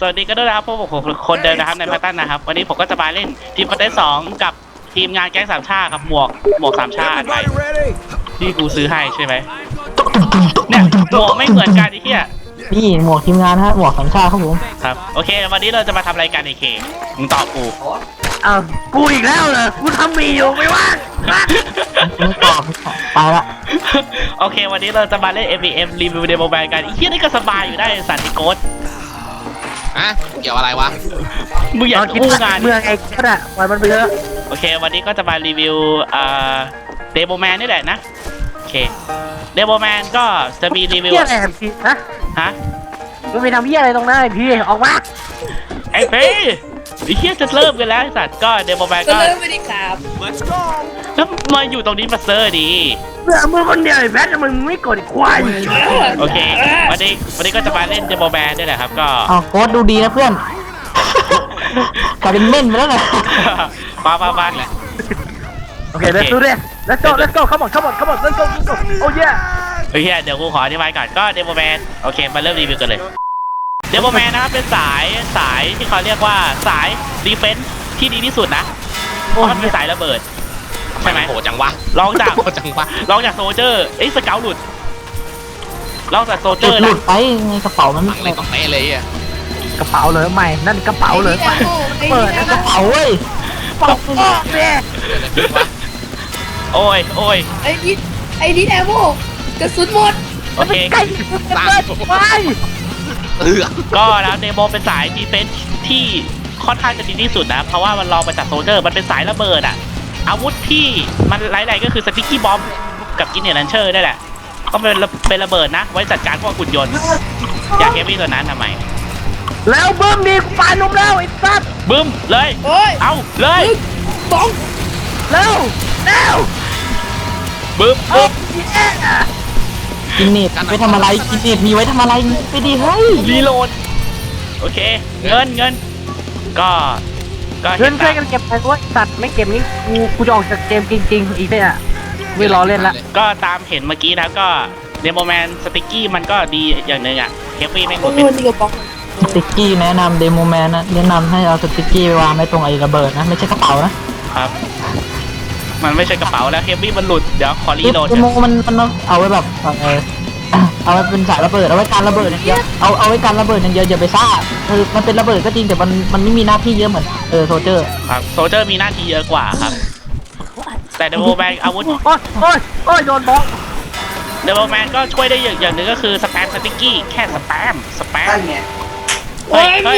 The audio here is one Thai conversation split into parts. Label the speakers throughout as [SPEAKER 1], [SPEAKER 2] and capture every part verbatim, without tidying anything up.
[SPEAKER 1] สวัสดีกันด้วยนะครับพวกผมคนเดิมนะครับในพัตตันนะครับวันนี้ผมก็จะมาเล่นทีมพัตตันสองกับทีมงานแก๊งสามชาติครับหมวกหมวกสามชาติไปที่กูซื้อให้ใช่ไหมเนี่ยหมวกไม่เหมือนกันไอ้เหี้ย
[SPEAKER 2] นี่หมวกทีมงานฮะหมวกสามชาติครับผม
[SPEAKER 1] ครับโอเควันนี้เราจะมาทำรายการไอเคมึงตอบกู
[SPEAKER 3] อ้าวกูอีกแล้วเหรอกูทำมีอยู่ไม่ว่าง
[SPEAKER 2] มึงตอบไปละ
[SPEAKER 1] โอเควันนี้เราจะมาเล่น เอ็ม วี เอ็ม รีวิวเดโมแบนกันไอ้เหี้ยนี่ก็สบายอยู่ได้สัตว์ไอ้โกด
[SPEAKER 4] อะเกี่ยวอะไรวะ
[SPEAKER 1] มึงอยากคู่งาน
[SPEAKER 3] เมืองไอ้ก็ได้ปล่อยมันไปเถอะ
[SPEAKER 1] โอเควันนี้ก็จะมารีวิวอ่าเดโมแมนนี่แหละนะโอเคเดโมแมนก็จะมีรีวิว
[SPEAKER 3] อะไรพี่ฮะ
[SPEAKER 1] ฮะ
[SPEAKER 3] มึงไปทำเหี้ยอะไรตรงนั้นพี่ออกมา
[SPEAKER 1] ไอ้เพ่ไอ้เหี้ยจะเริ่มกันแล้วสัตว์ก็เดโมแมนก็
[SPEAKER 5] เริ่มไปดิครับ
[SPEAKER 1] แล้วมาอยู่ตรงนี้มาเซอร์ดี
[SPEAKER 3] เมื่อมึงคนเดียวไอ้แพทมึงไม่กดควาย
[SPEAKER 1] โอเควันนี้วันนี้ก็จะมาเล่นเดโมแมนนี่แหละครับก็
[SPEAKER 2] อ้าวโค้ดดูดีนะเพื่อนกลายเป็นเม่นไปแล้วไง
[SPEAKER 1] มามามาแหละ
[SPEAKER 3] โอเค let's do this let's go let's go come on come on come on let's go let's go oh yeah
[SPEAKER 1] โอเคเดี๋ยวกูขออธิบายก่อนก็เดโมแมนโอเคมาเริ่มรีวิวกันเลยเดโมแมนนะครับเป็นสายสายที่เขาเรียกว่าสายดีเฟนส์ที่ดีที่สุดนะเพราะมันเป็นสายระเบิดใช่ไหม
[SPEAKER 4] โหจังวะ
[SPEAKER 1] ลองจาก
[SPEAKER 4] โหจังวะ
[SPEAKER 1] ลองจากโซเจอร์ไอ้สเกลหลุดลองจากโซเจอร์
[SPEAKER 2] หลุดไปในกระเป๋ามัน
[SPEAKER 4] อะไรก็ไม่เลยอ่ะ
[SPEAKER 3] กระเป๋าเลยใหม่นั่นกระเป๋าเลยใหม่เปิดกระเป๋าเว้ยปอกปอกเนี่ย
[SPEAKER 1] โอ้ยโอ้ย
[SPEAKER 5] ไอ้ดิไอ้ดิแอโมกระสุนหมด
[SPEAKER 1] โอเค
[SPEAKER 3] ใกล้ตายไป
[SPEAKER 4] เออ
[SPEAKER 1] ก็แล้วเดโมเป็นสายดีเฟนส์ที่ค่อนข้างจะดีที่สุดนะเพราะว่ามันรองมาจากโซเจอร์มันเป็นสายระเบิดอ่ะอาวุธที่มันไร้ๆก็คือสติ๊กกี้บอมกับกินเนอร์ลันเชอร์ได้แหละก็เป็นเป็นระเบิดนะไว้จัดการพวกหุ่นยนต์อยากเฮฟวี่ตัวนั้นทำไม
[SPEAKER 3] แล้วบึ้มดีปลาลุมแล้วไอ้สัตว์
[SPEAKER 1] บึ้มเลยเอาเลย
[SPEAKER 5] บ้อง
[SPEAKER 3] เร็วเร็ว
[SPEAKER 1] บึ้มบึ้ม
[SPEAKER 2] กินเน็ตไปทำอะไรกินเน็ตมีไว้ทำอะไรไปดีเฮ้ย
[SPEAKER 1] รีโหลดโอเคเงินเงินก็ก็
[SPEAKER 3] เงินช่วยกันเก็บไปด้วยสัตว์ไม่เก็บนี้กูกูจะออกจากเกมจริงๆอีกเนี่ยไม่รอเล่นละ
[SPEAKER 1] ก็ตามเห็นเมื่อกี้นะก็เดโมแมนสติ๊กกี้มันก็ดีอย่างหนึ่งอ่ะเฮฟวี่ไม่หมดเป็น
[SPEAKER 2] สติ๊กกี้แนะนำเดโมแมนนะแนะนำให้เอาสติ๊กกี้ไปวางไว้ตรงไอ้ระเบิดนะไม่ใช่กระเป๋านะครับ
[SPEAKER 1] มันไม่ใช่กระเป๋าแล้วเฮฟวี่มันหลุดเดี๋ยวขอรีโหลด
[SPEAKER 2] เดโมมันมันเอาไว้แบบเออเอาไว้เป็นสายระเบิดเอาไว้การระเบิดอย่างเดียวเอาเอาไว้การระเบิดอย่างเดียวอย่าไปซ่าคือมันเป็นระเบิดก็จริงแต่มันมันไม่มีหน้าที่เยอะเหมือนเออโซเจอร์
[SPEAKER 1] ครับโซเจอร์มีหน้าที่เยอะกว่าครับแต่เดโมแมนอาวุธ
[SPEAKER 3] โอ้ยโอ้ยโอ้ยโดนบล็อก
[SPEAKER 1] เดโมแมนก็ช่วยได้อย่างอย่างหนึ่งก็คือสแปมสติ๊กกี้แค่สแปมสแปมเฮ้ยเฮ้ย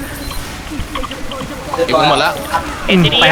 [SPEAKER 4] อยู่หมดแล้ว
[SPEAKER 1] เอ็นทีดี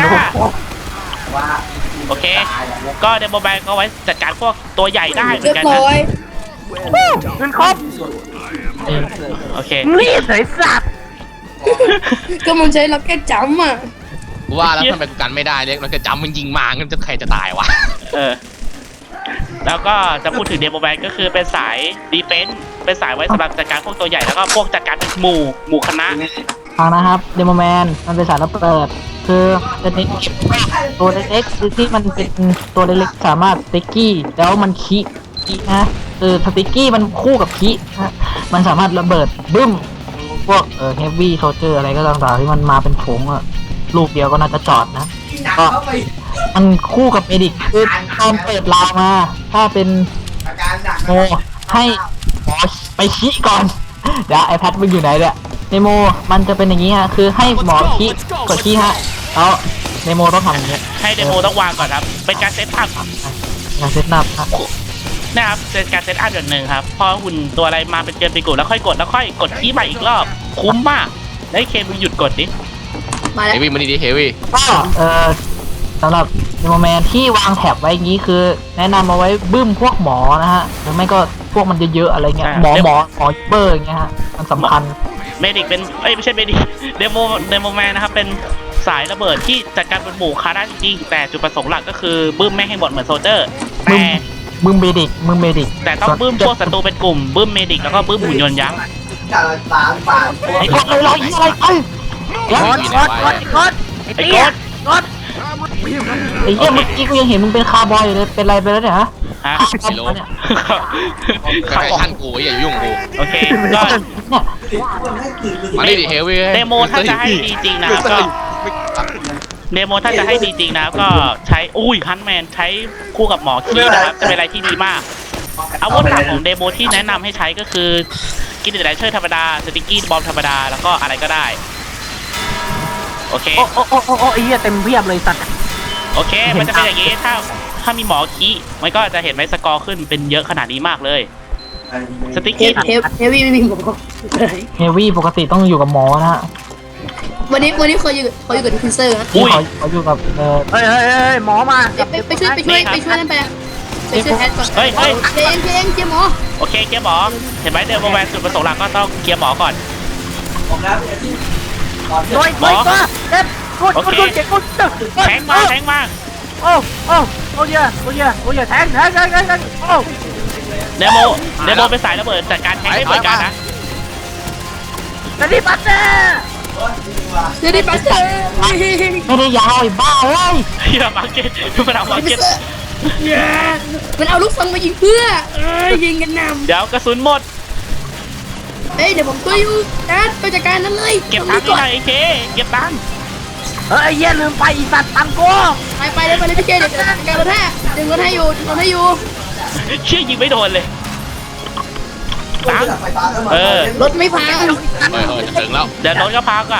[SPEAKER 1] โอเคก็เดโมแมนก็ไว้จัดการพวกตัวใหญ่ได้เหมือนกันนะ
[SPEAKER 3] เงินครบ
[SPEAKER 1] โอเค
[SPEAKER 3] นี่ใส่สัตว์
[SPEAKER 5] ก็มันใช้ล็อกเก็ตจัมป์อ่ะ
[SPEAKER 4] ว่าแล้วทำไมกูกันไม่ได้เนี่ยเราจะจำมันยิงมางั้นจะใครจะตายวะ
[SPEAKER 1] เออแล้วก็จะพูดถึงเดโมแมนก็คือเป็นสายดีเฟนส์เป็นสายไว้สำหรับจัดการพวกตัวใหญ่แล้วก็พวกจัดการเป็นหมู่หมู่คณะ
[SPEAKER 2] ฟังนะครับเดโมแมนมันเป็นสายระเบิดคือเป็นตัวเล็กๆคือที่มันเป็นตัวเล็กๆสามารถสติ๊กกี้แล้วมันขี้นะเออสติ๊กกี้มันคู่กับขี้นะมันสามารถระเบิดบึ้มพวกเออเฮฟวี่โซเจอร์อะไรก็ต่างๆที่มันมาเป็นผงอะลูกเดียวก็น่าจะจอดนะก็มันคู่กับเมดิกคือตอนเปิดลาวมาถ้าเป็นโมให้หมอไปชี้ก่อนเดี๋ยวไอแพดมึงอยู่ไหนเนี่ยเนโมมันจะเป็นอย่างนี้ฮะคือให้หมอชี้กดชี้ฮะแล้วเนโมต้องทำอย่างนี้
[SPEAKER 1] ให้เนโมต้องวางก่อนครับเป็นการเซตอัพ
[SPEAKER 2] การเซตอัพครับ
[SPEAKER 1] นะครับเป็นการเซตอัพอย่างหนึ่งครับพอหุ่นตัวอะไรมาเป็นเกินไปกดแล้วค่อยกดแล้วค่อยกดชี้ใหม่อีกรอบคุ้มมากได้เคมึงหยุดกดดิ
[SPEAKER 4] เฮวี่มันดีเฮวี่
[SPEAKER 2] ก็เออสำหรับเดโมแมนที่วางแถบไว้อย่างนี้คือแนะนำเอาไว้บึ้มพวกหมอนะฮะหรือไม่ก็พวกมันเยอะๆอะไรเงี้ยหมอหมอหมอเบอร์อย่างเงี้ยฮะมันสำคัญ
[SPEAKER 1] เมดิกเป็นเอ้ยไม่ใช่เมดิกเดโมเดโมแมนนะครับเป็นสายระเบิดที่จัดการเป็นหมู่คาได้จริงๆแต่จุดประสงค์หลักก็คือบึ้มไม่ให้หมดเหมือนโซเจอร์แต่
[SPEAKER 2] บึ้มเมดิกบึ้มเมดิก
[SPEAKER 1] แต่ต้องบึ้มพวกศัตรูเป็นกลุ่มบึ้มเมดิกแล้วก็บึ้มหุ่นยนต์ยักษ์
[SPEAKER 2] ไอ้คนอะไรอะไรไอ้
[SPEAKER 3] กดกดกดกดไอ้กดกด
[SPEAKER 2] ไอ้เหี้ยเมื่อกี้กูยังเห็นมึงเป็นคาร์บอยอยู่เลยเป็นไรไปแล้วเนี่ยฮะ
[SPEAKER 1] ฮะ
[SPEAKER 4] ไม่รู้
[SPEAKER 2] เนี่ย
[SPEAKER 4] ใกล้ๆท่านกูอย่ายุ่งกู
[SPEAKER 1] โอเคก็
[SPEAKER 2] เนี่ย
[SPEAKER 4] มาดิเฮวี่
[SPEAKER 1] เดโมถ้าจะให้ดีจริงนะครับก็เดโมถ้าจะให้ดีจริงนะครับก็ใช้อุ้ยฮันแมนใช้คู่กับหมอคีนะครับจะเป็นอะไรที่ดีมากอาวุธหลักของเดโมที่แนะนำให้ใช้ก็คือกินเดรเชอร์ธรรมดาสติกกี้บอมธรรมดาแล้วก็อะไรก็ได้โอเค
[SPEAKER 3] โอ้โอ้โอ้โอ้โอ้ไอ้เหี้ยเต็มเพียบเลยสัตว์
[SPEAKER 1] โอเคมันจะเป็นอย่างนี้ถ้าถ้ามีหมอคีมันก็จะเห็นไหมสกอร์ขึ้นเป็นเยอะขนาดนี้มากเลยสติก
[SPEAKER 5] เฮ
[SPEAKER 1] กี้
[SPEAKER 5] เฮเฮวี่ไม่มีหมอ
[SPEAKER 2] เฮฟวี่ปกติต้องอยู่กับหมอนะฮะ
[SPEAKER 5] วันนี้วันนี้เขาอยู่เขาอยู่กับดิฟินเซอร์นะ
[SPEAKER 2] ที่เขาเขาอยู่กับเออ
[SPEAKER 3] เฮ้ยเฮ้ยเฮ้ยหมอมา
[SPEAKER 5] ไปไปไปช่วยไปช่วยไปช่วยนั่นไปไปช่วยแพทก่อน
[SPEAKER 1] เฮ้ยเฮ้ย
[SPEAKER 5] เจงเจงเจหมอ
[SPEAKER 1] โอเคเคลียร์หมอเห็นไหมเดโมแมนจุดประสงค์หลักก็ต้องเคลียร์หมอก่อน
[SPEAKER 3] โดยโดยตัวเด็ดกูกูกูเจ็บกูตึ๊ด
[SPEAKER 1] แทงมาแทงมา
[SPEAKER 3] โอ้โอ้โอ้ยโอ้ยโอ้ยแทงแทงแทงแทงแทงโอ้
[SPEAKER 1] เดโมเดโมเป็นสายระเบิดจัดการแทงได้เหมือนกันนะ
[SPEAKER 3] จะรีบปัดเน่
[SPEAKER 5] เดี๋ยวดิปัสเตอร์
[SPEAKER 2] ไม่ได้ยาวไอ้บ้าเว้ย
[SPEAKER 1] เฮียมาร์เก็ตมันเอามาร์เก็ต
[SPEAKER 5] มันเอาลูกซองมายิงเพื่อเอ้ยยิงกันน
[SPEAKER 1] เดี๋ยวกระสุนหมด
[SPEAKER 5] ำเฮ้ยเดี๋ยวผมช่วยอยู่นะไปจัดการนั้นเลย
[SPEAKER 1] เก็บตังค์ให้หน่อยไอ้เคเก็บตังค์
[SPEAKER 3] เฮ้ยเหี้ยลืมไปอีสัตว์ตังกู
[SPEAKER 5] ไปไปเลยไปเลยพี่เจเดี๋ยวจัดการรถให้ดึงรถให้อยู่ดึงรถให้อยู่
[SPEAKER 1] เชี่ยยิงไม่โดนเลยตังค์เออ
[SPEAKER 5] รถไม่พัง
[SPEAKER 4] เฮ้ยเฮ้ยจะถึงแล้ว
[SPEAKER 1] เดี๋ยวรถก็พังอ่ะ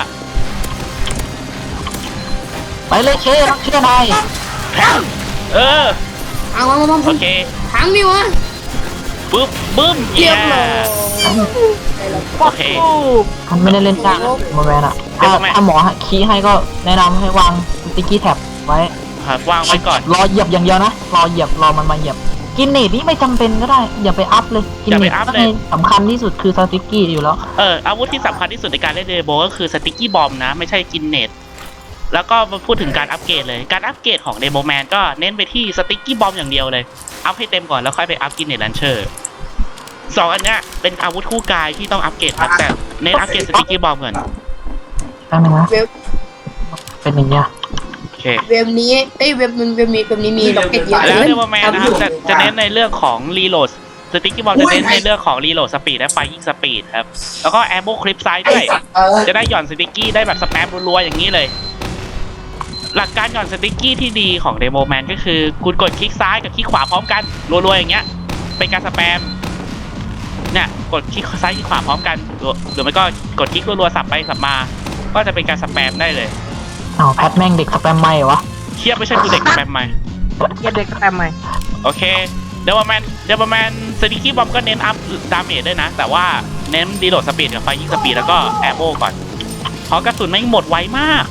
[SPEAKER 2] ไปเลยเครักเชื่อนาย
[SPEAKER 1] แทงเออ
[SPEAKER 5] เอามามามา
[SPEAKER 1] โอเค
[SPEAKER 5] พังดิวะ
[SPEAKER 1] ปึ๊บบึ้ม
[SPEAKER 5] เรียบร้อย
[SPEAKER 1] โอเค
[SPEAKER 2] มันไม่ได้เล่นยากโมแมนอะถ้าถ้าหมอคีย์ให้ก็แนะนำให้วางสติ๊กกี้แท็บไว้
[SPEAKER 1] ครับวางไว้ก่อน
[SPEAKER 2] รอเหยียบอย่างเดียวนะ รอเหยียบรอมันมาเหยียบ กินเนตนี่ไม่จำเป็นก็ได้ อย่าไปอัพเลย กินเนตสำคัญที่สุดคือสติ๊กกี้อยู่แล้ว
[SPEAKER 1] เอออาวุธที่สำคัญที่สุดในการเล่นเดโบก็คือสติกกี้บอมนะไม่ใช่กินเน็ตแล้วก็มาพูดถึงการอัปเกรดเลยการอัปเกรดของเดโมแมนก็เน้นไปที่สติกกี้บอมอย่างเดียวเลยอัพให้เต็มก่อนแล้วค่อยไปอัพกินเน็ตลันเชอร์สองอันเนี้ยเป็นอาวุธคู่กายที่ต้องอัปเกรดครับแต่เน้นอัปเกรดสติกกี้บอมก่อน
[SPEAKER 2] แป๊บนึงนะ
[SPEAKER 5] เว็บ
[SPEAKER 2] เป็นอย่างเงี้ย
[SPEAKER 1] โอเค
[SPEAKER 5] เว็บนี้เอ้ยเว็บมันเว็บนี้เว็บนี้มีล็อกเก็ตเยอะ
[SPEAKER 1] แล้วเดโมแมนนะครับจะจะเน้นในเรื่องของรีโหลดสติกกี้บอมจะเน้นในเรื่องของรีโหลดสปีดและไฟยิงสปีดครับแล้วก็แอมโบคลิปไซด์ด้วยจะได้หย่อนสติกกี้ได้แบบสแปมรัวๆอย่างนี้เลย หลักการหย่อนสติ๊กกี้ที่ดีของเดโมแมนก็คือคุณกดคลิกซ้ายกับคลิกขวาพร้อมกันรัวๆอย่างเงี้ยเป็นการสแปมเนี่ยกดคลิกซ้ายคลิกขวาพร้อมกันหรือไม่ก็กดคลิกรัวๆสับไปสับมาก็จะเป็นการสแปมได้เลย
[SPEAKER 2] อ้าวแพทแม่งเด็กสแปมไม่วะ
[SPEAKER 1] เทียบไม่ใช่กูเด็กสแปมไหม
[SPEAKER 3] เหี้ยเด็กแต้มไหม
[SPEAKER 1] โอเคเดโมแมนเดโมแมนสติ๊กกี้บอมก็เน้นอัพดาเมจด้วยนะแต่ว่าเน้นดีโหลดสปีดกับไฟยิงสปีดแล้วก็แอร์โบก่อนเพราะกระสุนไม่งหมดไวมาก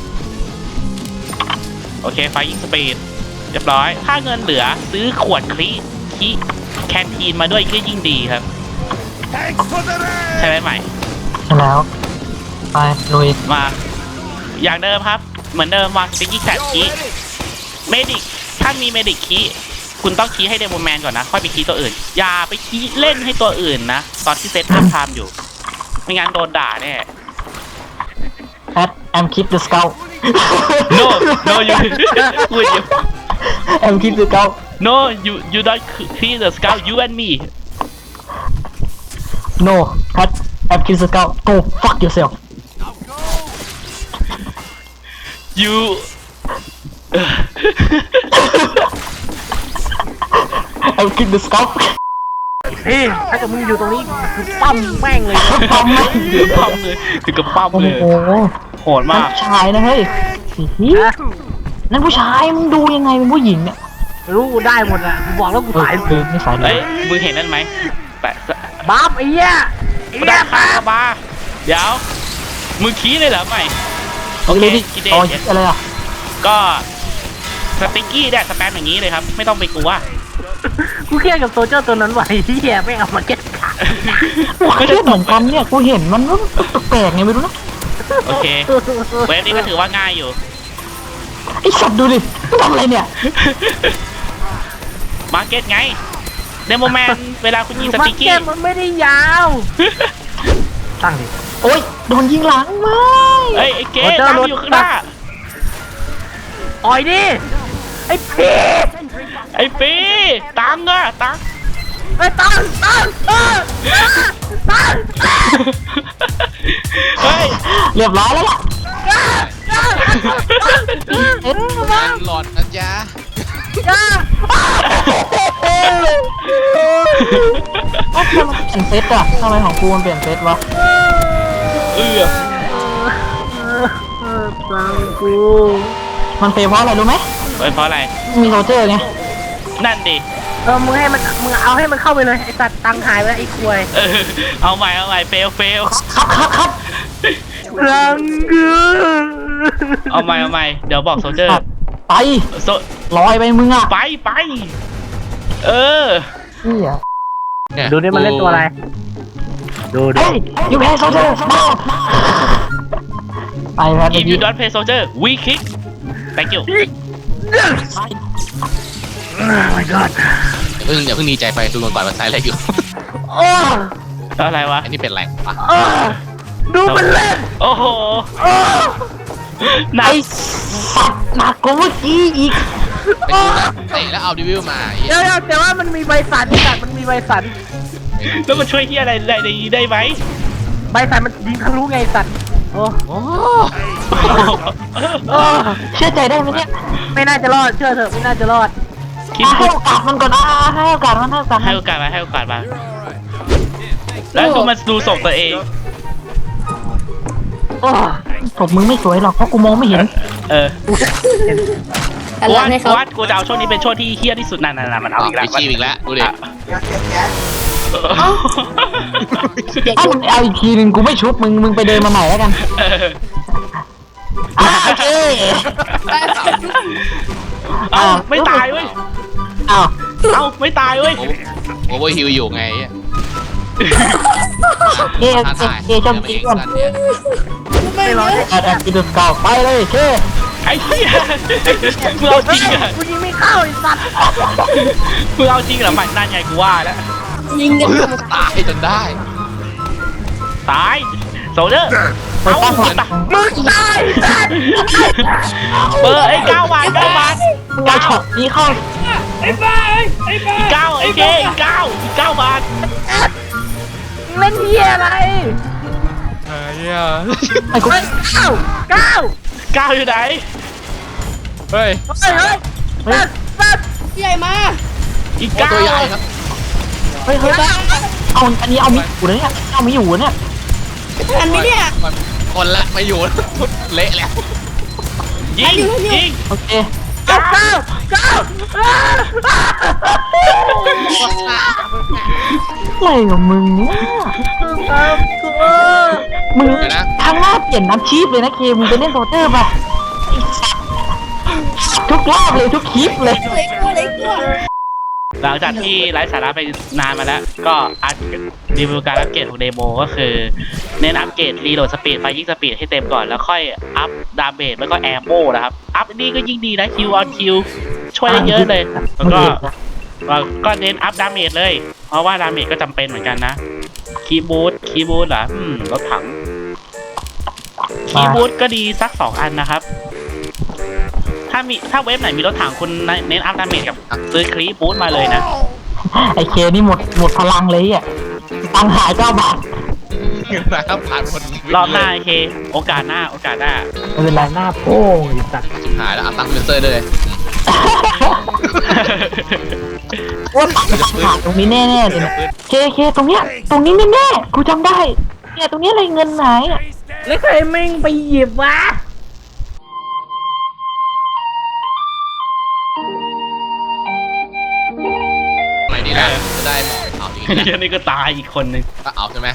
[SPEAKER 1] โอเคไฟยิงสปีดเรียบร้อยถ้าเงินเหลือซื้อขวดคลีคีแคนทีนมาด้วยก็ยิ่งดีครับใช่ไหมใหม่
[SPEAKER 2] แล้ว ไปลุย
[SPEAKER 1] มาอย่างเดิมครับเหมือนเดิมวางสติ๊กกี้แคทคีเมดิกถ้ามีเมดิกคีคุณต้องคีให้เดโมแมนก่อนนะค่อยไปคีตัวอื่นอย่าไปคีเล่นให้ตัวอื่นนะตอนที่เซตอัพไทม์อยู่ไม่งั้นโดนด่าแน่
[SPEAKER 2] แพทแอมคิดเดอะสเกล
[SPEAKER 1] no no you พูดอยู่
[SPEAKER 2] แอมคิดเดอะสเกล
[SPEAKER 1] no you you don't clear the scout you and me
[SPEAKER 2] no แพทแอมคิดเดอะสเกล go fuck yourself
[SPEAKER 1] you
[SPEAKER 2] แอมคิดเดอะสเกล
[SPEAKER 3] เฮ้ยถ้าเกิดมึงอยู่ตรงนี้คือปั้มแม่งเลย
[SPEAKER 2] ปั๊มไม่
[SPEAKER 1] ถึงปั๊มเลยถึงกับปั๊ม
[SPEAKER 2] โอ้
[SPEAKER 1] เลย
[SPEAKER 2] โห
[SPEAKER 1] โหด
[SPEAKER 2] นั่
[SPEAKER 1] มาน ก
[SPEAKER 2] ผู้ชายนะเฮ้ยสินั่นผู้ชายมึงดูยังไงเป็นผู้หญิงเนี่ย
[SPEAKER 3] รู้กูได้หมดอ่ะกูบอกแล้วกูสาย
[SPEAKER 2] เออไม่สายเล
[SPEAKER 1] เอ้
[SPEAKER 2] ย
[SPEAKER 1] ยมึงเห็นนั่นไหมแต่
[SPEAKER 3] บ้าไอ้เหี้ยไอ้
[SPEAKER 1] ไม่
[SPEAKER 3] เหี้
[SPEAKER 1] ได้
[SPEAKER 3] ย
[SPEAKER 1] คาบาเดี๋ยวมึงขี้เลยเหรอใหม่โอเค
[SPEAKER 2] เลยดิ
[SPEAKER 1] กินเด
[SPEAKER 2] อ๋อ
[SPEAKER 1] ช
[SPEAKER 2] อะไรอ่ะ
[SPEAKER 1] ก็สติ๊กกี้ได้สแปมอย่างนี้เลยครับไม่ต้องไปกลัว
[SPEAKER 3] กูเครียดกับโซเจอร์ตัวนั้นว่ะไอ้เหี้ยไม่เอามาเก็ตขาด
[SPEAKER 2] กูเครียดเหมือนกันเนี่ยกูเห็นมันแปลกๆไงไม่รู้นะ
[SPEAKER 1] โอเคเวฟนี้ก็ถือว่าง่ายอยู่
[SPEAKER 2] ไอ้สัตว์ดูดิมันทำอะไรเนี่ย
[SPEAKER 1] มาร์เก็ตไงเดโมแมนเวลาคุณยิงส
[SPEAKER 3] มา
[SPEAKER 1] ติ๊ก
[SPEAKER 3] เก็
[SPEAKER 1] กี้
[SPEAKER 3] ตมันไม่ได้ยาวตั้งดิ
[SPEAKER 2] โอ๊ยโดนยิงหลังไม่
[SPEAKER 1] เอ้ยไอ้เก๋
[SPEAKER 3] โรเจอร์
[SPEAKER 1] ตามอยู่ข้างหน้า
[SPEAKER 3] ต่อยดิไอ้พี
[SPEAKER 1] ไอ้ปีตังค์อะตังค์
[SPEAKER 3] ไอ้ตังตังเออตัง
[SPEAKER 1] เฮ้ย
[SPEAKER 2] เรียบร้อยแล้วล่ะ
[SPEAKER 3] เอ็นมา
[SPEAKER 4] หลอดนะจ๊ะ
[SPEAKER 3] จ้า
[SPEAKER 2] ทำไมมันเปลี่ยนเซตอะทำไมของกูมันเปลี่ยนเซตวะ
[SPEAKER 1] เออ
[SPEAKER 3] ตังกู
[SPEAKER 2] มันเฟลเพราะอะไรรู้ไหม
[SPEAKER 1] เฮ้ยเพราะอะไร
[SPEAKER 2] มีโซเจอร์ไง
[SPEAKER 1] นั่นดิ
[SPEAKER 3] เออมึงให้มันมึงเอาให้มันเข้าไปเลยไอ้สัตว์ตังหายไปแล้วไอ้ควย
[SPEAKER 1] เออเอาใหม่เอาใหม่เฟลเฟล
[SPEAKER 2] ครับครับครับ
[SPEAKER 3] ตังกู
[SPEAKER 1] เอาใหม่เอาใหม่เดี๋ยวบอกโซเจอร์
[SPEAKER 2] ไป
[SPEAKER 1] โซ
[SPEAKER 2] ลอยไปมึงอะ
[SPEAKER 1] ไปไปเออ
[SPEAKER 2] เหี้ย
[SPEAKER 4] เนี่ย
[SPEAKER 3] ดูนี่มันเล่นตัวอะไรดูดู
[SPEAKER 2] เฮ้ยยูแพ้โซเจอร์มาไปแพ้
[SPEAKER 1] if you don't play soldier we kick thank you
[SPEAKER 3] โอ้ my god
[SPEAKER 4] อย่าเพิ่งอย่าเพิ่งดีใจไปดูก่อนก่อนว่าใช้อะไรอยู่
[SPEAKER 3] โอ้
[SPEAKER 1] อะไรวะ
[SPEAKER 4] อันนี้เป็นอะไรวะ
[SPEAKER 3] โอ้ดูมันเล่น
[SPEAKER 1] โอ้โห
[SPEAKER 3] โอ้
[SPEAKER 1] หนั
[SPEAKER 2] ไอก สัตว์หนักกว่าเมื่อกี้อีก
[SPEAKER 4] ไปดูนะเตะแล้วเอาดิวิวมาไอ้เหี้
[SPEAKER 3] เดี๋
[SPEAKER 4] ย
[SPEAKER 3] ยวเดี๋ยวแต่ว่ามันมีใบสันไอ้สัตว์มันมีใบสัน
[SPEAKER 1] แล้วมันช่วยเฮียอะไรได้ได้ได้ไหม
[SPEAKER 3] ใบสันมันยิงทะลุไงไอ้สัตว์โอ้
[SPEAKER 4] โอ้
[SPEAKER 3] โอ้
[SPEAKER 2] เชื่อใจได้ไหมเนี่ย
[SPEAKER 3] ไม่น่าจะรอดเชื่อเถอะไม่น่าจะรอด
[SPEAKER 1] คิด
[SPEAKER 2] อ่ะให้โอกาสมันก่อนอ่ะให้โอกาสมันให้โอกาส
[SPEAKER 1] ให้
[SPEAKER 2] มัน
[SPEAKER 1] โอกาสมาให้โอกาสมาแล้วดูมันดูส่งตัวเอง
[SPEAKER 3] โอ้
[SPEAKER 2] ศพมึงไม่สวยหรอกเพราะกูมองไม่เห็น
[SPEAKER 1] เออ
[SPEAKER 5] กัน
[SPEAKER 1] กู
[SPEAKER 5] หลั
[SPEAKER 1] ว่าง
[SPEAKER 5] ให้เขา
[SPEAKER 1] กูว่ากูจะเอาช่วงนี้เป็นช่วงที่เฮี้ยที่สุดนั่นน่ะมันเอา
[SPEAKER 4] เอา
[SPEAKER 1] อีก
[SPEAKER 4] ไป
[SPEAKER 1] แล้ว
[SPEAKER 4] ชีพอีกแล้วดูดิ
[SPEAKER 5] เด็ก
[SPEAKER 2] ถ้ามึงเอาอีกทีหนึ่งกูไม่ชุบมึงมึงไปเดินมาใหม่แล้วกัน
[SPEAKER 1] เออ
[SPEAKER 2] อ่ะโอเค
[SPEAKER 1] เอาไม่ตายเว้ย
[SPEAKER 2] อ้าว
[SPEAKER 1] เอาไม่ตายเว้ย
[SPEAKER 4] โอเวอร์ฮิวอยู่ไงไอ้
[SPEAKER 2] เอ
[SPEAKER 4] ท้า
[SPEAKER 2] เอ
[SPEAKER 4] ทาย
[SPEAKER 2] เอชม
[SPEAKER 4] เดี๋
[SPEAKER 2] กิ
[SPEAKER 4] ยวน มาเองกันเนี่ย
[SPEAKER 5] ไม่ร้อน
[SPEAKER 2] แอดแอดกินดูสเกาไปเลยเค
[SPEAKER 1] ไอ้เหี้ยมึงเอาจริงเหรอ
[SPEAKER 3] กูยิงไม่เข้าไอ้สัตว์
[SPEAKER 1] มึงเอาจริงเหรอมันนั่นไงกูว่าแล้ว
[SPEAKER 5] ยิงกัน
[SPEAKER 4] ตายจนได้
[SPEAKER 1] ตายโซเดอร์
[SPEAKER 2] ไป
[SPEAKER 1] เอา
[SPEAKER 2] ตั้งหลัก
[SPEAKER 1] ตาย
[SPEAKER 3] มึงตายสัตว์
[SPEAKER 1] เบอร์ไอ้เก้าบาทเก้าบาท
[SPEAKER 2] เอาช็อตนี้เข้า
[SPEAKER 1] อีกเก้าไอ้เก้อีกเก้าอีกเก้าบาท
[SPEAKER 3] เล่นเฮียอะไร
[SPEAKER 4] เฮ้ย
[SPEAKER 2] ไอ้กู
[SPEAKER 3] เฮ้ยเก้าเก้า
[SPEAKER 1] เก้าอยู่ไหน
[SPEAKER 4] เฮ้ย
[SPEAKER 3] เฮ้ยเฮ้ยสัตว์สัตว์
[SPEAKER 5] ใหญ่มา
[SPEAKER 1] อีก
[SPEAKER 4] โอ้
[SPEAKER 1] เก้า
[SPEAKER 4] ตัวใหญ่ครับ
[SPEAKER 2] เฮ้ยเฮ้ยเอาอันนี้เอามิอยู่นะเนี่ยเอามิอยู่เนี่ย
[SPEAKER 5] ทันไหมเนี่ย
[SPEAKER 4] มันคนละไม่อยู่เละแล้ว
[SPEAKER 1] ยิงยิง
[SPEAKER 2] โอเค
[SPEAKER 3] เก้าเก้าเก้า
[SPEAKER 2] อะไรกับมึงเนี่ย
[SPEAKER 3] ครับกู
[SPEAKER 2] มึงทางหน้าเปลี่ยนน้ำชีพเลยนะเคมึงไปเล่นโซเจอร์ป่ะไอ้สัสทุกรอบเลยทุกคลิปเลย
[SPEAKER 5] เล็กตัวเล็กตัว
[SPEAKER 1] หลังจากที่ไร้สาระไปนานมาแล้ว ก็อัพรีวิวการอัปเกรดของเดโมก็คือ เน้นอัปเกรดรีโหลดสปีดไฟยิงสปีดให้เต็มก่อนแล้วค่อยอัพดาเมจแล้วก็แอมโมนะครับ อัพนี่ก็ยิ่งดีนะคิวออนคิวช่วยได้เยอะเลย แล้วก็ก็เน้นอัพดาเมจเลย เพราะว่าดาเมจก็จำเป็นเหมือนกันนะคีย์บูทคีย์บูทเหรออืมรถถังคีย์บูทก็ดีสักสองอันนะครับ ถ้ามีถ้าเว็บไหนมีรถถังคุณเน้นอัพดาเมจกับซื้อคลีบูทมาเลยนะ
[SPEAKER 2] ไอ้เคนี่หมดหมดพลังเลยอ่ะตังค์หายเก้าบาท
[SPEAKER 4] นะครับผ่านคน
[SPEAKER 1] รอบหน้าโอเค โอกาสหน้าโอกาสหน้า
[SPEAKER 2] ไม่เป็นไรหน้าโป้งไอ้สัส
[SPEAKER 4] หายแล้วเอาตังค์เบนเซอร์เลย
[SPEAKER 2] ว่าตังค์ขาดตรงนี้แน่ๆเลยเนี่ยเคเคตรงเนี้ยตรงนี้แน่ๆกูจำได้เนี่ยตรงเนี้ยอะไรเงินหายอ่ะ
[SPEAKER 3] แล้วใครแม่งไปหยิบวะ
[SPEAKER 4] ไหนดีนะจะได้เอาจริง
[SPEAKER 1] เดี๋ยวนี้ก็ตายอีกคนนึง
[SPEAKER 4] ก็เอาใช่ไหม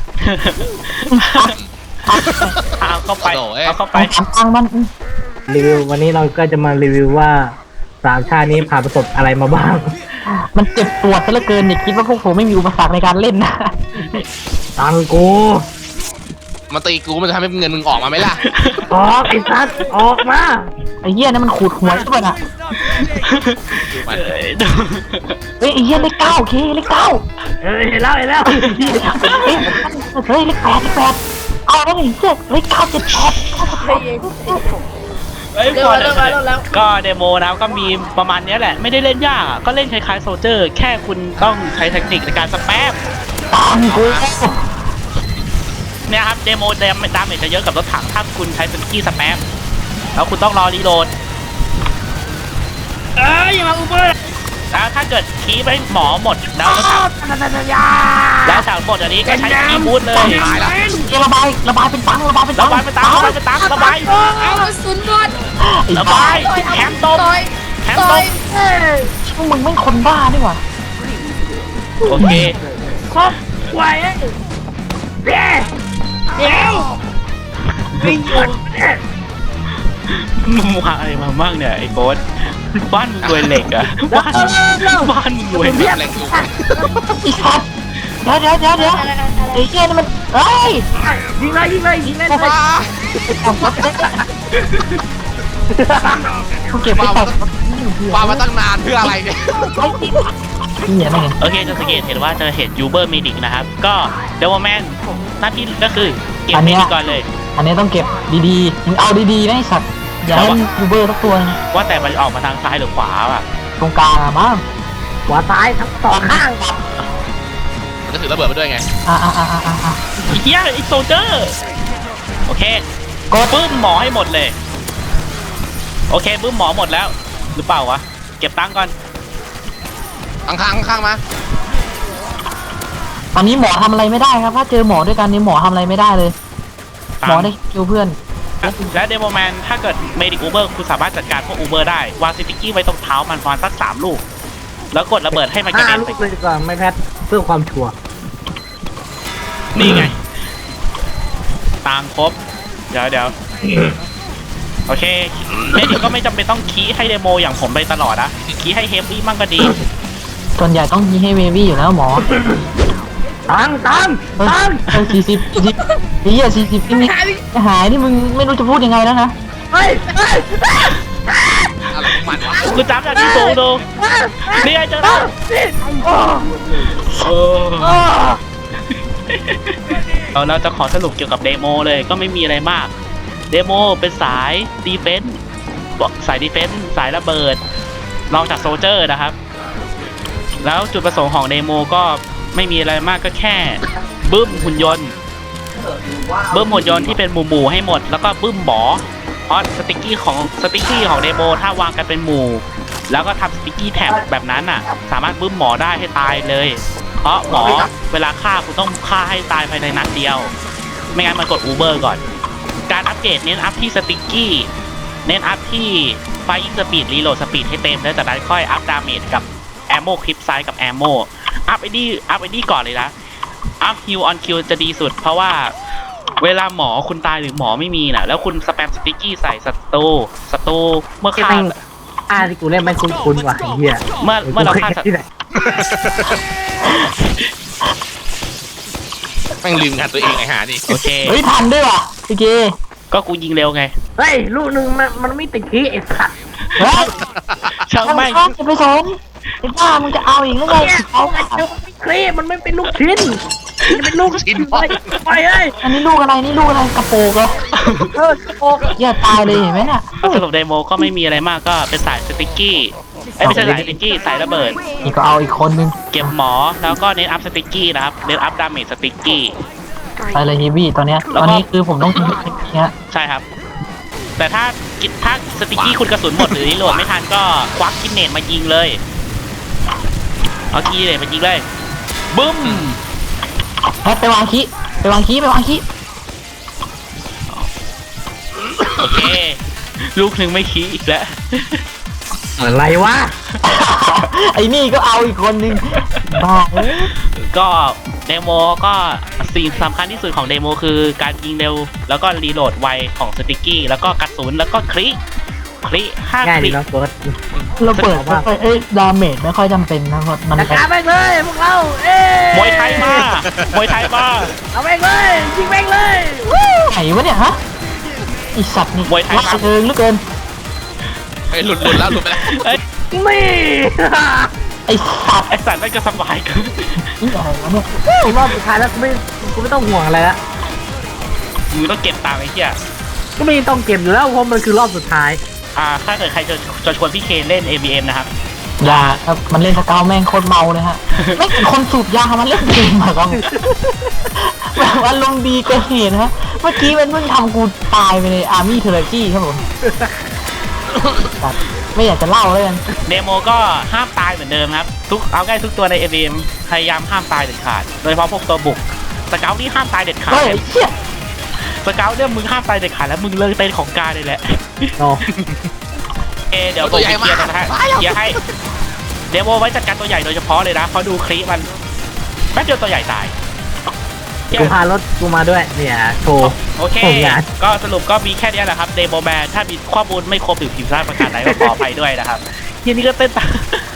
[SPEAKER 1] เอาเข้าไป
[SPEAKER 4] โอ้โหเอ้ย
[SPEAKER 1] เอาเข้า
[SPEAKER 2] ไป
[SPEAKER 1] ไป
[SPEAKER 2] ถามตังค์มัน
[SPEAKER 3] รีวิววันนี้เราก็จะมารีวิวว่าสามชาตินี้ผ่านประสบอะไรมาบ้าง
[SPEAKER 2] มันเจ็บปวดซะเหลือเกินอย่าคิดว่าพวกผมไม่มีอุปสรรคในการเล่นนะ
[SPEAKER 3] ตังกู
[SPEAKER 4] มาตีกูมันจะทำให้เงินมึงออกมาไหมล่ะ
[SPEAKER 3] ออกไอ้สัตว์ออกมา
[SPEAKER 2] ไอ้เหี้ยนั่นมันขูดหัวใช่ป่ะน่ะ
[SPEAKER 4] มัน
[SPEAKER 1] เอ้ย
[SPEAKER 2] เฮ้ยไอ้เหี้ยเลขเก้าเคเลขเก้า
[SPEAKER 3] เออเห็นแล้วเห็นแล้ว
[SPEAKER 2] เฮ้ยเฮ้ยเลขแปดเลขแปดเอาแล้วไอ้เหี้ยเลขเก้าเจ็ดแปด
[SPEAKER 5] ใจเย็น
[SPEAKER 1] เอ้ย
[SPEAKER 5] เริ่
[SPEAKER 1] พ
[SPEAKER 5] ม
[SPEAKER 1] อ
[SPEAKER 5] แล้ว
[SPEAKER 1] เดี๋ยว
[SPEAKER 5] เริ่มแล้วเริ่มแล้ว
[SPEAKER 1] ก็เดโมนะก็มีประมาณเนี้ยแหละไม่ได้เล่นยากอะก็เล่นคล้ายๆโซลเจอร์แค่คุณต้องใช้เทคนิคในการสแปม
[SPEAKER 2] ตามกู
[SPEAKER 1] เนี่ยครับเดโมดามดาเมจจะเยอะกับรถถังถ้าคุณใช้สกิลสแปมแล้วคุณต้องรอรีโหลด
[SPEAKER 5] เอ้ยอย่ามาอุเบอร์
[SPEAKER 1] แล้วถ้าเกิดคีย์ไปหมอหมดแล้วรถถังแล้วถังหมดอันนี้ก็ใช้คีย์บูทเลย
[SPEAKER 4] ตายละ
[SPEAKER 2] ระบายระบายเป็นตังระบายเป็นตั
[SPEAKER 1] ระ
[SPEAKER 2] ง
[SPEAKER 1] บายไปตามระบายไปตามระบาย
[SPEAKER 5] เอากระสุนหมด
[SPEAKER 1] ระบายแถมตบ
[SPEAKER 5] ต่อย
[SPEAKER 1] แถม
[SPEAKER 5] ต่
[SPEAKER 1] ต
[SPEAKER 5] อย
[SPEAKER 1] บ
[SPEAKER 2] พวกมึงไม่คนบ้านี่หว่า
[SPEAKER 1] โอเค
[SPEAKER 5] ครับไหวเดี๋ยวเดี๋ยวไม่หยุด
[SPEAKER 1] มึงวางอะไรมาบ้างเนี่ยไอ้โบ๊ทบ้านมึงรวยเหล็กอะบ้านบ้านมึงรวยเหล็ก
[SPEAKER 4] แรงอยู่
[SPEAKER 2] อีสัตว์เดี๋ยวเดี๋ยวเดี๋ยวเดี๋ยวไอ้เหี้ยนี่มันเฮ้ย
[SPEAKER 5] ยิงเลยยิงเลยยิงเลย
[SPEAKER 2] กูเก็บไปแต่ง
[SPEAKER 4] วางมาตั้งนานเพื่ออะไรเนี่ย
[SPEAKER 2] นี่เนี่ยนั่นไง
[SPEAKER 1] โอเคจะสังเกตเห็นว่าจะเห็นยูเบอร์เมดิกนะครับ ก็เดวแมนหน้าที่ก็คือเก็บเมดิกก่อนเลย
[SPEAKER 2] อันนี้ต้องเก็บดีๆมึงเอาดีๆนะไอ้สัตว์อย่าให้ยูเบอร์สักตัว
[SPEAKER 1] ว่าแต่มันออกมาทางซ้ายหรือขวาอ่ะ
[SPEAKER 2] ตรงกลางอะบ้าง
[SPEAKER 5] หัวซ้ายทั้งสองข้าง
[SPEAKER 4] มันจะถือระเบิดมาด้วยไง
[SPEAKER 2] อ่าอ่าอ่าอ่าอ่า
[SPEAKER 1] ไอ้เฮียไอ้โซลเจอร์โอเค
[SPEAKER 2] กด
[SPEAKER 1] บึ้มหมอให้หมดเลย โอเคบึ้มหมอหมดแล้ว หรือเปล่าวะ เก็บตังค์ก่อน
[SPEAKER 4] ข้างข้างข้างๆมา
[SPEAKER 2] ตอนนี้หมอทำอะไรไม่ได้ครับถ้าเจอหมอด้วยกันนี่หมอทำอะไรไม่ได้เลย หมอได้คิวเพื่อน
[SPEAKER 1] และเดโมแมนถ้าเกิดเมดิกอูเบอร์คุณสามารถจัดการพวกอูเบอร์ได้ วางสติกกี้ไว้ตรงเท้ามันประมาณสักสามลูก แล้วกดระเบิดให้มันกระ
[SPEAKER 3] ห้า
[SPEAKER 1] เด็น
[SPEAKER 3] ลู
[SPEAKER 1] ไป
[SPEAKER 3] กเลยดีกว่าไม่แพทเพื่อความชัวร์
[SPEAKER 1] นี่ไงตังค์ครบ เดี๋ยวเดี๋ยวโอเคเมดิกก็ไม่จำเป็นต้องคีย์ให้เดโมอย่างผมไปตลอดนะคีย์ให้เฮฟวี่มั่งก็ดี
[SPEAKER 2] ส่วนใหญ่ต้องยีให้เววี่อยู่แล้วหมอ
[SPEAKER 3] ตังตัง
[SPEAKER 2] เฮ้ย
[SPEAKER 3] ตัง
[SPEAKER 2] เฮ้ยสี่สิบสี่สิบไอ้เหี้ยสี่สิบนี่หายนี่มึงไม่รู้จะพูดยังไงแล้วนะ
[SPEAKER 3] เฮ้ยเฮ้ย
[SPEAKER 4] อะไรของมันวะ
[SPEAKER 1] คุณจำจากที่สูงดูนี่ไงเจอแล้ว
[SPEAKER 3] โอ้
[SPEAKER 1] เออ
[SPEAKER 3] โอ้
[SPEAKER 1] เราเราจะขอสรุปเกี่ยวกับเดโมเลยก็ไม่มีอะไรมาก เดโมเป็นสายดีเฟนส์สายดีเฟนส์สายระเบิดลองจากโซลเจอร์นะครับ แล้วจุดประสงค์ของเดโมก็ไม่มีอะไรมากก็แค่บึ้มหุ่นยนต์บึ้มหุ่นยนต์ที่เป็นหมู่หมู่ๆให้หมด แล้วก็บึ้มหมอเพราะสติกกี้ของสติกกี้ของเดโมถ้าวางกันเป็นหมู่ แล้วก็ทำสติกกี้แท็บแบบนั้นอ่ะ สามารถบึ้มหมอได้ให้ตายเลย เพราะหมอเวลาฆ่าคุณต้องฆ่าให้ตายภายในนัดเดียว ไม่งั้นมันกดอูเบอร์ก่อน การอัปเกรดเน้นอัพที่สติกกี้เน้นอัพที่ไฟอิงสปีดรีโหลดสปีดให้เต็มแล้วจากนั้นค่อยอัพดาเมจกับแอมโมคลิปไซส์กับแอมโมอัพไอดีอัพไอดีก่อนเลยนะอัพฮิวออนคิวจะดีสุด เพราะว่าเวลาหมอคุณตายหรือหมอไม่มีน่ะแล้วคุณสแปมสติกกี้ใส่ศัตรูศัตรูเมื่อฆ่า
[SPEAKER 3] อ่าที่กูเล่นไม่คุ้นๆว่ะไอ้เหี้ย
[SPEAKER 1] เมื่อเมื่อเราฆ่าศัต
[SPEAKER 3] ที่
[SPEAKER 1] รู
[SPEAKER 3] ไหน
[SPEAKER 4] แม่งลืมงานตัวเองไอ้ห่านี่
[SPEAKER 1] โอเค
[SPEAKER 2] เฮ้ยทันด้วยว่ะพี่เก
[SPEAKER 1] ก็กูยิงเร็วไง
[SPEAKER 3] เฮ้ยลูกหนึ่งมันมันไม่ติดขี้ไอ้สัตว์
[SPEAKER 2] เฮ้ย
[SPEAKER 1] ช่าง
[SPEAKER 2] ทำไม
[SPEAKER 1] ไม่
[SPEAKER 2] จะไปสนไอ้บ้ามึงจะเอาอีกหรือไง
[SPEAKER 3] เนี่ย
[SPEAKER 2] เอา
[SPEAKER 3] มันไม่คลีมันไม่เป็นลูกชิ้นมันเป็นลูกชิ้นไปไปเอ้ย
[SPEAKER 2] อันนี้ลูกอะไรนี่ลูกอะไรกระโปรงเหรอ
[SPEAKER 3] เออโอ้
[SPEAKER 2] อย่าตายเลยเห็นไหมเนี่ย
[SPEAKER 1] ก็สรุปเดโมก็ไม่มีอะไรมากก็เป็นสายสติกกี้ไอ้ยไม่ใช่สายสติกกี้สายระเบิด
[SPEAKER 2] นี่ก็เอาอีกคนนึง
[SPEAKER 1] เก็บหมอแล้วก็เน้นอัพสติกกี้นะครับเน้นอัพดาเมจสติกกี้
[SPEAKER 2] ไปเลยฮีบี้ตอนเนี้ย
[SPEAKER 1] แล้
[SPEAKER 2] ต
[SPEAKER 1] ว
[SPEAKER 2] อน
[SPEAKER 1] ก็
[SPEAKER 2] นี้คือผมต้องทิ้งเนี้ย
[SPEAKER 1] ใช่ครับ แต่ถ้ากิถ้าสติกกี้คุณกระสุนหมดหรือรีโหลดไม่ทันก็ควักกินเนตมายิงเลยเอากินเนตมายิงเลยบึ้ม
[SPEAKER 2] แพทไปวางคีไปวางคีไปวางคี
[SPEAKER 1] โอเค ลูกหนึ่งไม่ขี้อีกแล้ว
[SPEAKER 3] อะไรวะ
[SPEAKER 2] ไอ้นี่ก็เอาอีกคนนึงบ้าเอ้ย
[SPEAKER 1] ก็เดโมก็สิ่งสำคัญที่สุดของเดโมคือการยิงเร็ว แล้วก็รีโหลดไวของสติกกี้แล้วก็กระสุนแล้วก็คลิคลิห้า
[SPEAKER 3] ง่าย
[SPEAKER 1] ค
[SPEAKER 3] ดี
[SPEAKER 1] ลิ
[SPEAKER 3] เนาะเฟิร์ส
[SPEAKER 2] เราเปิดไม่ค่อยเอ้ยดาเมจไม่ค่อยจำเป็นนะเพราะมัน
[SPEAKER 3] จัดการแม่งเลยพวกเราเอ้ย
[SPEAKER 1] มวยไทยมามวยไทยมา
[SPEAKER 3] เอาแม่งเลยยิงแม่งเลย
[SPEAKER 2] ไหนวะเนี่ยฮะไอสัตว์นี่
[SPEAKER 1] มวยไทย
[SPEAKER 2] ล่า
[SPEAKER 1] มา
[SPEAKER 2] เริงเหลือเกิน
[SPEAKER 4] ไอ้ยหลุดหลุดแล้วหลุดไปแล้ว
[SPEAKER 1] เอ้ย
[SPEAKER 3] นี่
[SPEAKER 2] ไอสัตว์
[SPEAKER 1] ไอสัตว์นั่นก็สบายกัน
[SPEAKER 2] นี่อะไรวะเนี่ย
[SPEAKER 3] ผมว่าสุดท้ายแล้วกูไม่กูไม่ต้องห่วงอะไรละ
[SPEAKER 1] มึงต้องเก็บตังค์ไอ้เหี้ย
[SPEAKER 3] ก็ไม่ต้องเก็บอยู่แล้วเพราะมันคือรอบสุดท้าย
[SPEAKER 1] อ่าถ้าเกิดใครจะจะชวนพี่เคนเล่น เอ บี เอ็ม นะครับ
[SPEAKER 2] อย่าครับมันเล่นสเกลแม่งโคตรเมาเลยฮะ ไม่เป็นคนสูบยามันเล่นเกมอะครับแบบว่าลงณ์ดีเกินเหตุนะฮะเมื่อกี้มันเพิ่งทำกูตายไปในอาร์มี่เทอร์กี้ครับผมไม่อยากจะเล่าเลยกัน
[SPEAKER 1] เดโมก็ห้ามตายเหมือนเดิมครับทุกเอาง่ายทุกตัวใน เอ บี เอ็ม พยายามห้ามตายเด็ดขาดโดยเฉพาะพวกตัวบุกสเกลนี่ห้ามตายเด็ดขาด
[SPEAKER 2] เฮ้ยไอ้เหี้ย
[SPEAKER 1] สเกลเนี่ยมึงห้ามตายเด็ดขาดแล้วมึงเลิกเต้นของการเลยแหละ
[SPEAKER 3] โอ้
[SPEAKER 1] เอเดี๋ยวผมเคลียร์นะฮะเคลียร์ให้เดโมไว้จัดการตัวใหญ่โดยเฉพาะเลยนะเพราะดูคลิปมันแป๊บเดียวตัวใหญ่ตาย
[SPEAKER 3] กูพารถกูมาด้วยเนี่ยโชว์
[SPEAKER 1] โอเค
[SPEAKER 3] โอ้ยอ่ะ
[SPEAKER 1] ก็สรุปก็มีแค่นี้แหละครับเดโมแมนถ้ามีข้อมูลไม่ครบหรือผิดพลาดประการใดก็ขออภัยด้วยนะครับทีนี้ก็เต้นตาม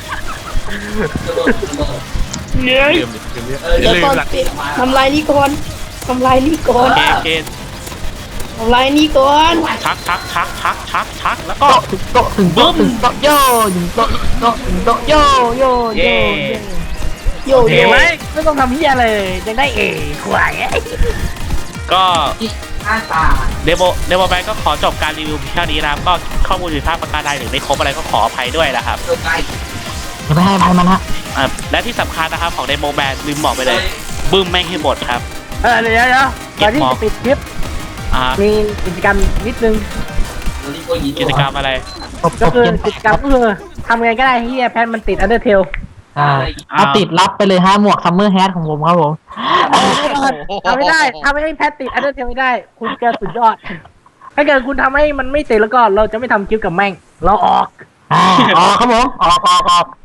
[SPEAKER 5] เหนื่อย
[SPEAKER 4] ลืมลืมลืม
[SPEAKER 5] เดี๋ยว
[SPEAKER 4] ลื
[SPEAKER 5] ก่อ
[SPEAKER 4] ม
[SPEAKER 5] น
[SPEAKER 4] ละ
[SPEAKER 5] ปิดทำลายนี่ก่อนทำลายนี่ก่อน
[SPEAKER 1] โอเคโอเค
[SPEAKER 5] ทำลายนี่ก่อน
[SPEAKER 1] ชักชักชักชักชักชักแล้วก็
[SPEAKER 2] โต๊ะถึงโต๊ะถึงโต๊ะถึงโต๊ะโย่ถึงโต๊ะโต๊ะถึงโต๊ะโย่โย่โย่
[SPEAKER 1] เย่
[SPEAKER 5] โย
[SPEAKER 3] เห็
[SPEAKER 5] โย่
[SPEAKER 3] นไหมไม่ต้องทำเหี้ยเลยยังได้เอควาย
[SPEAKER 1] ก็เดโมเดโมแมนก็ขอจบการรีวิวเพียงเท่านี้นะครับก็ข้อมูลผิดพลาดประการใดหรือไม่ครบอะไรก็ขออภัยด้วยนะครับ
[SPEAKER 2] อย่าไปให้ภัยมันฮะ
[SPEAKER 1] อ่ะและที่สำคัญนะครับของเดโมแมนลืมบอกไปเลยบึ้มแม่งให้หมดครับ
[SPEAKER 3] เออเดี๋ยวเดี๋ยวก่อนที่จะปิดคลิป
[SPEAKER 1] อ่า
[SPEAKER 3] มีกิจกรรมนิดนึง
[SPEAKER 1] กิจกรรมอะไร
[SPEAKER 2] ตบต
[SPEAKER 3] ก็
[SPEAKER 2] บ
[SPEAKER 3] คือ
[SPEAKER 2] เย็น
[SPEAKER 3] กิจกรรมก็คือทำไงก็ได้ที่แพทมันติดอันเดอร์เทล
[SPEAKER 2] อ่าเอาติดรับไปเลยฮะหมวกซัมเมอร์แฮทของผมครับผม
[SPEAKER 3] ทำไม่ได้ทำให้แพทติดอันเดอร์เทลไม่ได้ คุณเกินสุดยอด ถ้าเกิดคุณทำให้มันไม่ติดแล้วก็เราจะไม่ทำคลิปกับแม่ง เราออก
[SPEAKER 2] อ่าออกครับผมออกออกออก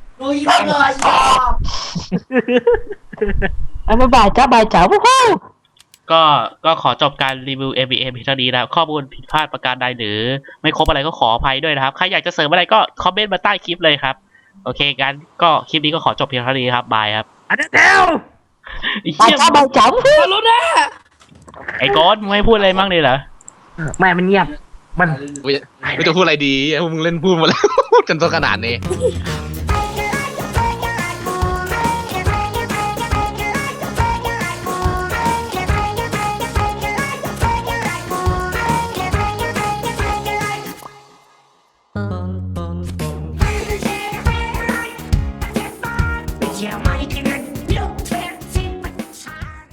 [SPEAKER 2] บ๊ายบายจ้าบายจ้าวู้ฮู้
[SPEAKER 1] ก็ก็ขอจบการรีวิว เอ บี เอ็ม เพียงเท่านี้นะครับข้อมูลผิดพลาดประการใดหรือไม่ครบอะไรก็ขออภัยด้วยนะครับใครอยากจะเสริมอะไรก็คอมเมนต์มาใต้คลิปเลยครับโอเคงั้นก็คลิปนี้ก็ขอจบเพียงเท่านี้ครับบายครับ
[SPEAKER 3] อันเดอร์เทล
[SPEAKER 1] ไอ้
[SPEAKER 2] บาย
[SPEAKER 1] เหี้ย
[SPEAKER 2] จ้าบายจ้าวู้ฮู้
[SPEAKER 5] ฮัลโหลนะ
[SPEAKER 1] ไอ้โกดมึงไม่พูดอะไรบ้างเลยเหรอ
[SPEAKER 3] แม่มันเงียบ มัน
[SPEAKER 4] ไม่จะไม่จะพูดอะไรดีพวกมึงเล่นพูดหมาแล้ว จนตัวขนาดนี้